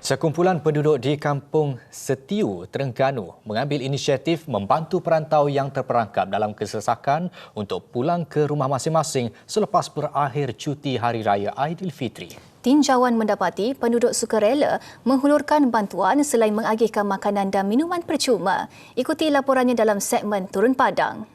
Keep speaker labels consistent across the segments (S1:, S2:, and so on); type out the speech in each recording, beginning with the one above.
S1: Sekumpulan penduduk di Kampung Setiu, Terengganu mengambil inisiatif membantu perantau yang terperangkap dalam kesesakan untuk pulang ke rumah masing-masing selepas berakhir cuti Hari Raya Aidilfitri.
S2: Tinjauan mendapati penduduk sukarela menghulurkan bantuan selain mengagihkan makanan dan minuman percuma. Ikuti laporannya dalam segmen Turun Padang.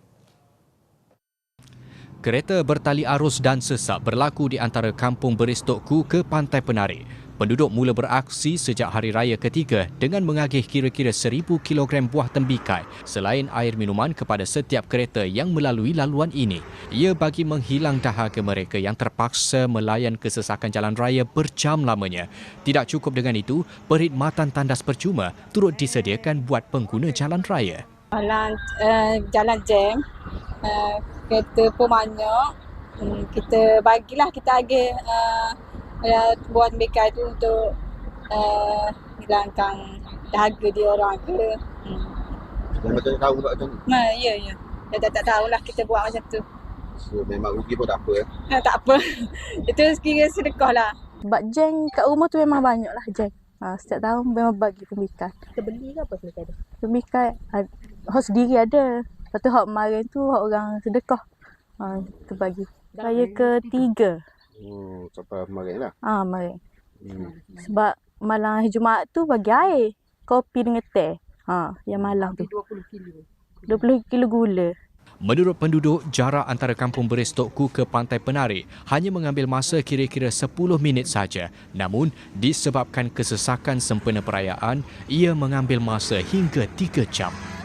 S1: Kereta bertali arus dan sesak berlaku di antara Kampung Beristokku ke Pantai Penari. Penduduk mula beraksi sejak hari raya ketiga dengan mengagih kira-kira 1,000 kilogram buah tembikai selain air minuman kepada setiap kereta yang melalui laluan ini. Ia bagi menghilang dahaga mereka yang terpaksa melayan kesesakan jalan raya berjam lamanya. Tidak cukup dengan itu, perkhidmatan tandas percuma turut disediakan buat pengguna jalan raya.
S3: Jalan jam, kereta pun banyak. Kita agih buat tembikai tu untuk hilangkan dahaga dia orang ke.
S4: Yang betul tahu buat macam ni?
S3: Ya. Dia tak tahulah kita buat macam tu.
S4: So, memang rugi pun tak apa.
S3: Tak apa. Itu sekira sedekah lah.
S5: Sebab jeng kat rumah tu memang banyak lah jeng. Setiap tahun memang bagi tembikai.
S6: Kita beli ke apa tembikai tu?
S5: Tembikai, hak sendiri ada. Lepas tu hak kemarin tu hak orang sedekah. Kita bagi. Raya ketiga.
S4: Sampai kemarin lah.
S5: Kemarin. Sebab malam hari Jumaat tu bagi air. Kopi dengan teh. Yang malam tu.
S6: 20 kilo.
S5: 20 kilo gula.
S1: Menurut penduduk, jarak antara Kampung Beristokku ke Pantai Penari hanya mengambil masa kira-kira 10 minit saja. Namun, disebabkan kesesakan sempena perayaan, ia mengambil masa hingga 3 jam.